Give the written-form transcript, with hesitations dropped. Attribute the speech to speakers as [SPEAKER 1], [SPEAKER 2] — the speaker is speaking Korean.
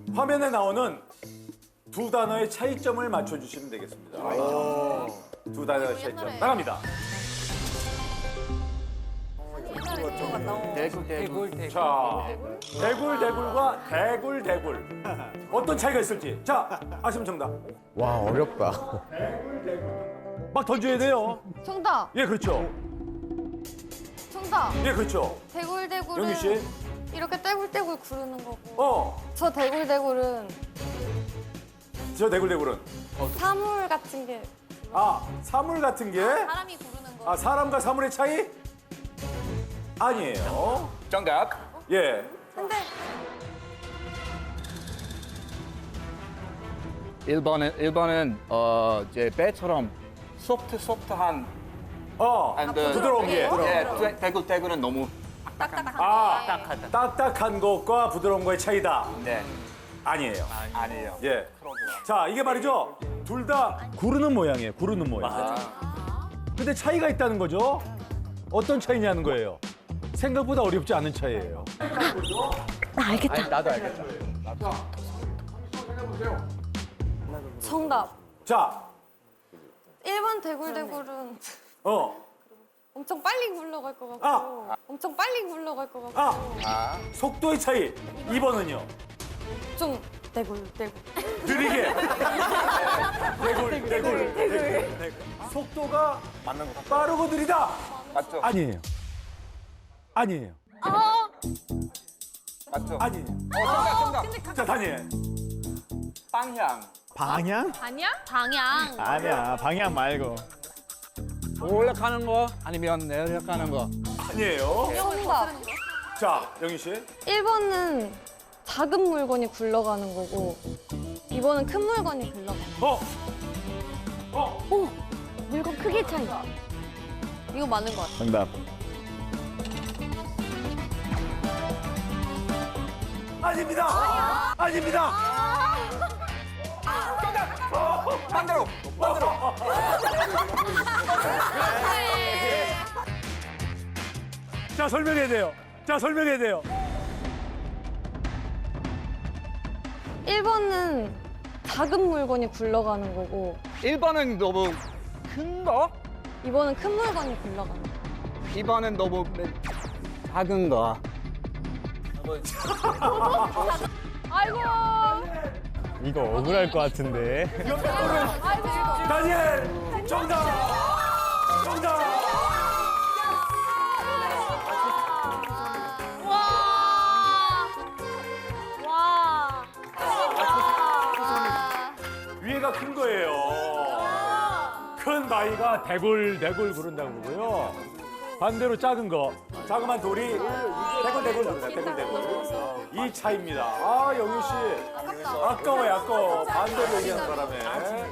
[SPEAKER 1] 화면에 나오는 두 단어의 차이점을 맞춰주시면 되겠습니다. 두 단어의 차이점 나갑니다. 자, 대굴대굴과 대굴대굴. 어떤 차이가 있을지. 자, 아시면 정답.
[SPEAKER 2] 와, 어렵다.
[SPEAKER 1] 막 던져야 돼요.
[SPEAKER 3] 정답.
[SPEAKER 1] 예, 그렇죠.
[SPEAKER 3] 정답.
[SPEAKER 1] 예, 그렇죠.
[SPEAKER 3] 대굴대굴은
[SPEAKER 1] 영희 씨.
[SPEAKER 3] 이렇게 떼굴떼굴 구르는 거고.
[SPEAKER 1] 어,
[SPEAKER 3] 저 대굴대굴은
[SPEAKER 1] 저 대굴대굴은.
[SPEAKER 3] 사물 같은 게
[SPEAKER 1] 아, 사물 같은 게?
[SPEAKER 3] 사람이 구르는 거.
[SPEAKER 1] 아, 사람과 사물의 차이? 아니에요.
[SPEAKER 4] 정답.
[SPEAKER 1] 예.
[SPEAKER 3] 근데
[SPEAKER 4] 1번은 이제 배처럼 소프트한
[SPEAKER 1] 부드러운 게.
[SPEAKER 4] 예, 대굴대굴은 너무
[SPEAKER 1] 딱딱한 것과 부드러운 거의 차이다.
[SPEAKER 4] 네.
[SPEAKER 1] 아니에요.
[SPEAKER 4] 아니에요.
[SPEAKER 1] 예. 자, 이게 말이죠. 둘 다 구르는 모양이에요. 구르는 모양. 근데 차이가 있다는 거죠. 어떤 차이냐는 거예요. 생각보다 어렵지 않은 차이예요.
[SPEAKER 2] 나도 알겠다.
[SPEAKER 3] 정답.
[SPEAKER 1] 자,
[SPEAKER 3] 1번 대굴대굴은 엄청 빨리 굴러갈 것 같고
[SPEAKER 1] 아.
[SPEAKER 3] 엄청 빨리 굴러갈 것 같고
[SPEAKER 1] 속도의 차이. 2번은요.
[SPEAKER 3] 좀 대굴대굴.
[SPEAKER 1] 느리게. 대굴. 속도가 빠르고 느리다.
[SPEAKER 4] 맞죠?
[SPEAKER 1] 아니에요. 아니에요.
[SPEAKER 4] 맞죠?
[SPEAKER 1] 아니에요.
[SPEAKER 4] 정답.
[SPEAKER 1] 자, 다니엘.
[SPEAKER 4] 방향.
[SPEAKER 2] 방향?
[SPEAKER 3] 아니야? 방향.
[SPEAKER 2] 아니야, 방향 말고.
[SPEAKER 4] 올라가는 거 아니면 내려가는 거.
[SPEAKER 1] 아니에요.
[SPEAKER 3] 정답.
[SPEAKER 1] 자, 영희 씨.
[SPEAKER 3] 1번은 작은 물건이 굴러가는 거고 2번은 큰 물건이 굴러가는 거. 물건 크기 차이. 이거 맞는 것 같아.
[SPEAKER 2] 정답.
[SPEAKER 1] 아닙니다. 아닙니다.
[SPEAKER 4] 반대로.
[SPEAKER 1] 자, 설명해야 돼요. 자, 설명해야 돼요.
[SPEAKER 3] 1번은 작은 물건이 굴러가는 거고
[SPEAKER 4] 1번은 너무 큰 거,
[SPEAKER 3] 2번은 큰 물건이 굴러가는 거.
[SPEAKER 4] 2번은 너무 작은 거.
[SPEAKER 3] 아이고.
[SPEAKER 2] 이거 억울할 것 같은데.
[SPEAKER 1] 다니엘, 정답. 정답.
[SPEAKER 3] 와.
[SPEAKER 1] 위에가 큰 거예요. 큰 바위가 대굴대굴 구른다고 그러고요. 반대로 작은 거, 자그만 돌이 대굴대굴 구른다. 대굴대굴. 이 차이입니다. 아, 영희 씨. 아까워요, 아까워. 반대로 얘기하는 바람에.